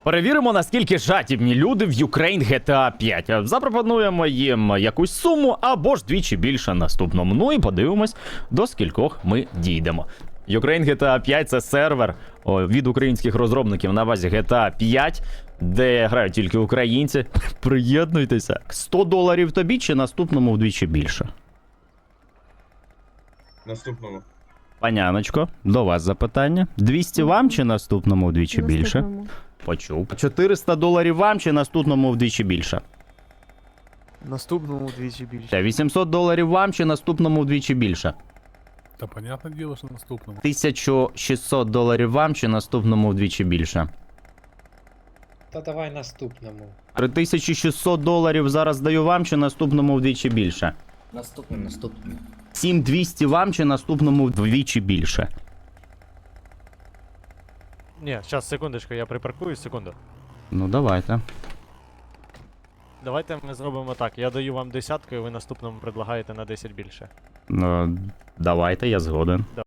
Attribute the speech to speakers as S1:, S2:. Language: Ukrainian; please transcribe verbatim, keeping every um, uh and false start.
S1: Перевіримо, наскільки жадібні люди в Ukraine джі ті ей п'ять. Запропонуємо їм якусь суму або ж двічі більше наступному. Ну і подивимось, до скількох ми дійдемо. Ukraine джі ті ей п'ять – це сервер о, від українських розробників на базі джі ті ей п'ять, де грають тільки українці. Приєднуйтеся. сто доларів тобі чи наступному вдвічі більше?
S2: Наступному.
S1: Паняночко, до вас запитання. двісті вам чи наступному вдвічі більше?
S3: Наступному.
S1: Почув. чотириста доларів вам чи наступному вдвічі більше?
S4: Наступному вдвічі більше.
S1: Та вісімсот доларів вам чи наступному вдвічі більше?
S5: Та понятне діло, що наступному.
S1: тисяча шістсот доларів вам чи наступному вдвічі більше?
S6: Та давай наступному.
S1: три тисячі шістсот доларів зараз даю вам чи наступному вдвічі більше?
S7: Наступний, наступний.
S1: сім тисяч двісті вам чи наступному вдвічі більше?
S8: Ні, зараз, секундочку, я припаркую, секунду.
S1: Ну давайте.
S8: Давайте ми зробимо так. Я даю вам десятку, і ви наступному предлагаєте на десять більше.
S1: Ну, давайте, я згоден.